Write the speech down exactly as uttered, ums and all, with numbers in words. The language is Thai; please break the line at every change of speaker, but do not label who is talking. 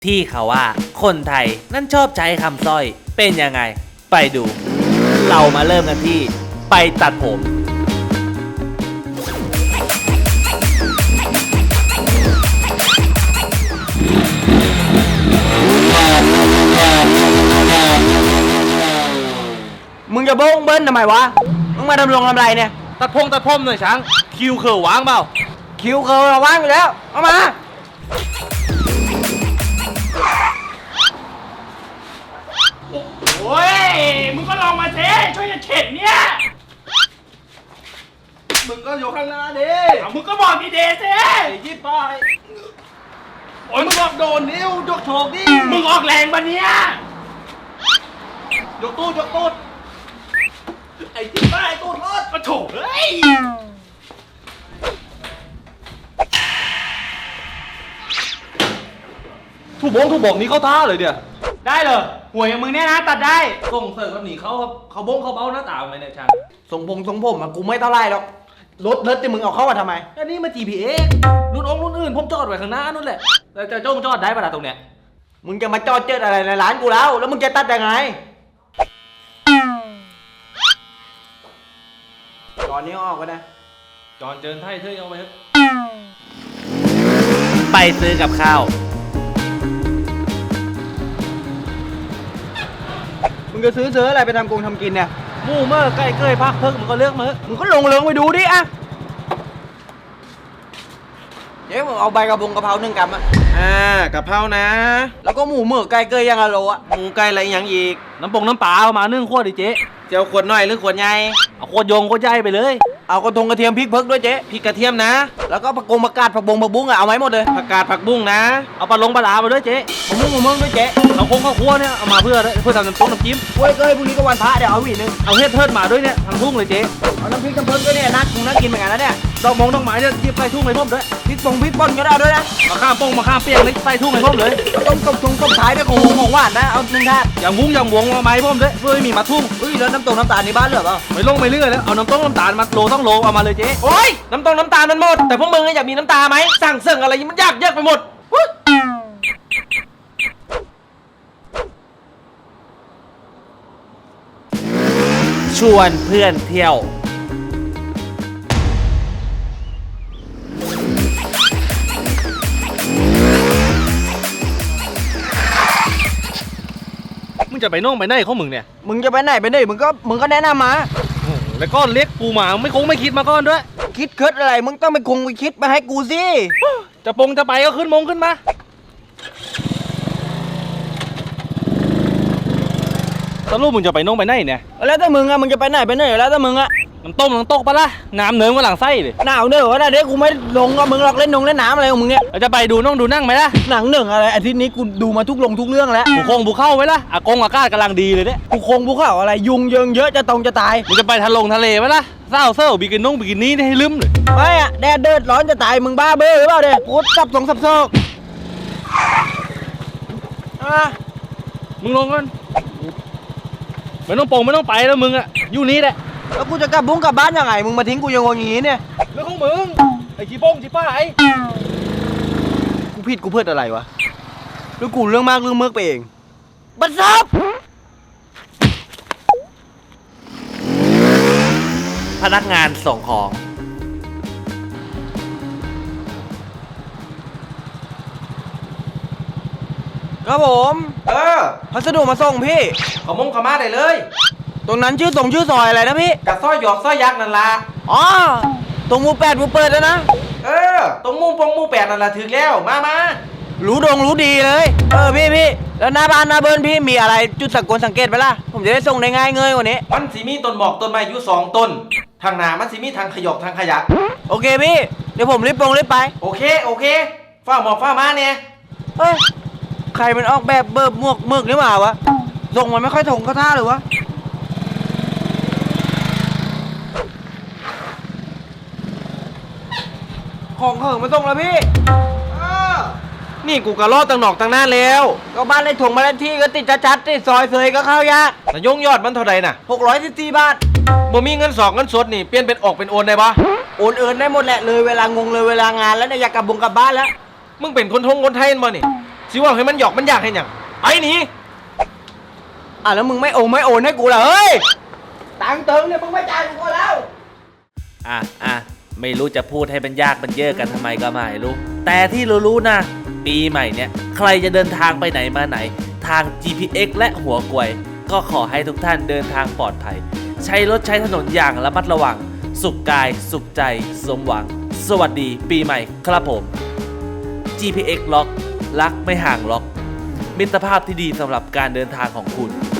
ที่เขาว่าคนไทยนั่นชอบใช้คำสร้อยเป็นยังไงไปดู เรามาเริ่มกันที่ไปตัดผม
มึงจะโบ้งเบิ้ลทำไมวะมึงมาดำรงทำไรเนี่ย
ตัดพงตัดผมหน่อยช้างคิวเขือว้างเปล่า
คิวเขาเราว่างอยู่แล้วเอามา
โอ้ยมึงก็ลองมาเซ่ช่วยจะเข็ดเนี่ย
มึงก็อยู่ข้างหน้าดิ
เอามึงก็บอกดีเดเซ่
ยิบไป
โอ้ยมึงบอกโดนนิ้วยกโฉกดิมึงออกแรงปะเนี่ยยกตู้ยกตู้ไอ้ที่ป้ายตู้รถก็โฉกเฮ้ย
ถูกบงถูกบอกนี้เข้าท่าเลยเนี่ย
ได้เลยหวยอย่างมึงเนี่ยนะตัดได้
ส่งเสริมแบบนี้เขาเขาบงเขาเบ้าหน้าตาไหมเนี่ยช้าง
ทรงผมทรงผมอะกูไม่เท่าไรหรอกรถรถที่มึงเอาเข้ามาทำไม
อันนี้มา จี พี เอ็กซ์ รุ่นองค์รุ่นอื่นผมจอดไว้ข้างหน้านู่นแหละแล้วจะจ้องจอดได้ปะล่ะตรงเนี้ย
มึงจะมาจอดเจิดอะไรในร้านกูแล้วแล้วมึงจะตัดยังไงตอนนี้ออกไปนะ
จอนเจินไทยเธอเอาไปเถอะไปซื้อกับข้าว
มึงจะซื้อซื้ออะไรไปทำกงทำกินเนี่ย
หมูเมื่อใกล้เกยพักเพิ่งมึงก็เลือกมือ
มึงก็ลงเลิงไปดูดิอะเจ๊ผมเอาใบกระพงกระเพราหนึ่งกำอะ
อ่ากะเพรานะ
แล้วก็หมูเมื่อไก่เกยยังอะโลอะ
หมูไก่อะไรอย่างอีก
น้ำปงน้ำปลาเอามานึ่งขวดดิเจ๊
เจียวขวดน้อยหรือขวดใหญ่
เอาขวดโยงขวดใหญ่ไปเลย
เอากระทงกระเทียมพริกเพิกด้วยเจ๊
พริกกระเทียมนะ
แล้วก็ผักกงผักกาดผักบงผักบุ้งอะเอาไหมหมดเลย
ผักกาดผักบุ้งนะ
เอาปลาลงปลาลาไปด้วยเจ๊
หมูหมูเมืองด้วยเจ๊
เอาคงข้าวคั่วเนี่ยเอามาเพื่อเพื่อทำน้ำต้มน้ำจิ้ม
กล้วยเกยพรุ่งนี้ก็วันพระเดี๋ยวเอาหวีนึง
เอาเฮ็ดเทิดมาด้วยเนี่ยทั้งทุ่งเลยเจ๊
เอาน้ำพริกน้ำเพิกด้วยเนี่ยนักคงนักกินเหมือนกันนะเนี่ย
ดอกมงดอกไม้เนี่ยหยิบใส่ทุ่งเลยพ่อมด้วย
พริกปงพริกป่นก็ได้ด้วยนะ
มาข้ามปงมาข้ามเปียกเลยใส่ทุ่งเลยพ่อมเลย
ต้มต้มต้มต้มท้ายด้วยของของหวานนะเอาหนึ่งถาด
อย่างวุ้งอย่างหวงมาไม้พ่อมด้วยเพื่อไม่มีมาทุ่ง
อุ้ยแล้วน้ำตกน้ำตาลในบ้านเหลือเปล่า
ไม่ลงไม่เลื่อยแล้วเอาน้ำต้มน้ำตาลมาโลต้องโลเอามาเลยเจ๊
โอ้ยน้ำตรงน้ำตาลมันหมดแต่พวกมึงอยากมีน้ำตาไหมสั่งเสิ่งอะไรมันยากเยอะไปหมด
ชวนเพื่อนเที่ยวมึงจะไปน่องไปไหนเขามึงเนี่ย
มึงจะไปไหนไปไหนมึงก็มึงก็แนะนำมา
แล้วก้อนเล็กกูมาไม่คงไม่คิดมาก้อนด้วย
คิดคิดอะไรมึงต้องไปคงไปคิดมาให้กูสิ
จะปงจะไปก็ขึ้นมงขึ้นมาสรุปมึงจะไปน่องไปไหนเนี่ย
แล้วถ้ามึงอะมึงจะไปไหนไปไหนแล้วถ้ามึงอะ
น้ำต้มน้ำตกปะล่ะน้ำเนิ้มกับหลังไส้เลย
หนาวเนอะวะนะเด็กกูไม่ลงกับมึงหรอกเล่นนงเล่นน้ำอะไรของมึงเนี่ย
เราจะไปดูน้องดูนั่งไหมล่ะ
หนังหนึ่งอะไรอาทิตย์นี้กูดูมาทุกลงทุกเรื่องแล้ว
บุคงบุเข้าไหมล่ะอากงอากาศกำลังดีเลยเนี่ย
บุคงบุเข้าอะไรยุงเยิงเยอะจะตรงจะตาย
มึงจะไปทะลงทะเลไหมล่ะเศร้าเศร้าบิกินน้องบิกินี่ให้ลืมเลย
ไม่อะแดดเดือดร้อนจะตายมึงบ้าเบ้อหรือเปล่าเนี่ยกูจับสองสับโซก
อ่ะมึงลงก่อนไม่ต้องปงไม่ต้องไปแล้วมึงอะอยู่นี้แหละ
แล้วกูจะกลับบุ้งกลับบ้านยังไงมึงมาทิ้งกูยังงงอย่างนี้เนี่ย
เรื่องของมึงไอ้ขี้โป้งขี้ป้าไอ้
กูผิดกูเพื่ออะไรวะหรือกูเรื่องมากเรื่องเมือกไปเองบัดซับ
พนักงานส่งของ
ครับผม
เออ
พัสดุมาส่งพี่
ขอมงขม่าได้เลย
ตรงนั้นชื่อตรงชื่อซอยอะไรนะพี่
กับสร้อยหยอกสร้อยยักษ์นั่นละ
อ๋อตรงมูแปดมูเปิดแล้วนะ
เออตรงมุมปงมุมแปดนั่นละถึงแล้วมามา
รู้ดงรู้ดีเลยเออพี่พี่แล้วหน้าบ้านหน้าเบิร์นพี่มีอะไรจุดสังเกตสังเกตไหมล่ะผมจะได้ส่งได้ง่ายเงยกว่านี้
มันสีมีต้นหมอกต้นไม้อยู่สองต้นทางหนามันสีมีทางขยอกทางขยะ
โอเคพี่เดี๋ยวผมรีบปงรีบไป
โอเคโอเคฝ้าหมอกฝ้ามาเนี่ย
เฮ้ยใครมันออกแบบเบิร์บหมวกเมือกหรือเปล่าวะส่งมันไม่ค่อยถงเข้าท่าหรือวะของเหิงมาส่งแล้วพี่
นี่กูกระลอดตังหนอกตังหน้าแล้ว
ก็บ้านในถงมาเลขที่ก็ติดชัดๆติดซอยเสยก็เข้ายาก
แต่ยงยอดมันเท่าไหร่น่ะ
หกร้อยสิบสี่บาท
บ่มีเงินสองเงินสดนี่เปลี่ยนเป็นออกเป็นโอนได้ปะ
โอนเอินได้หมดแหละเลยเวลางงเลยเวลางานแล้วเนี่ยอยากกลับบุงกลับบ้านแล้ว
มึงเป็นคนทงคนไทยมั้ยนี่สิว่าให้มันหยอกมันอยากให้หยังไปหนี
อ่ะแล้วมึงไม่โอนไม่โอนให้กูเหรอเฮ้ยตังค์เติมเนี่ยมึงไม่จ่ายกูก็แล้ว
อ่ะอ่ะไม่รู้จะพูดให้มันยากมันเยอะกันทำไมก็ไม่รู้แต่ที่รู้ๆนะปีใหม่เนี่ยใครจะเดินทางไปไหนมาไหนทาง จี พี เอ็กซ์ และหัวกลวยก็ขอให้ทุกท่านเดินทางปลอดภัยใช้รถใช้ถนนอย่างระมัดระวังสุขกายสุขใจสมหวังสวัสดีปีใหม่ครับผม จี พี เอ็กซ์ ล็อกรักไม่ห่างล็อกมิตรภาพที่ดีสำหรับการเดินทางของคุณ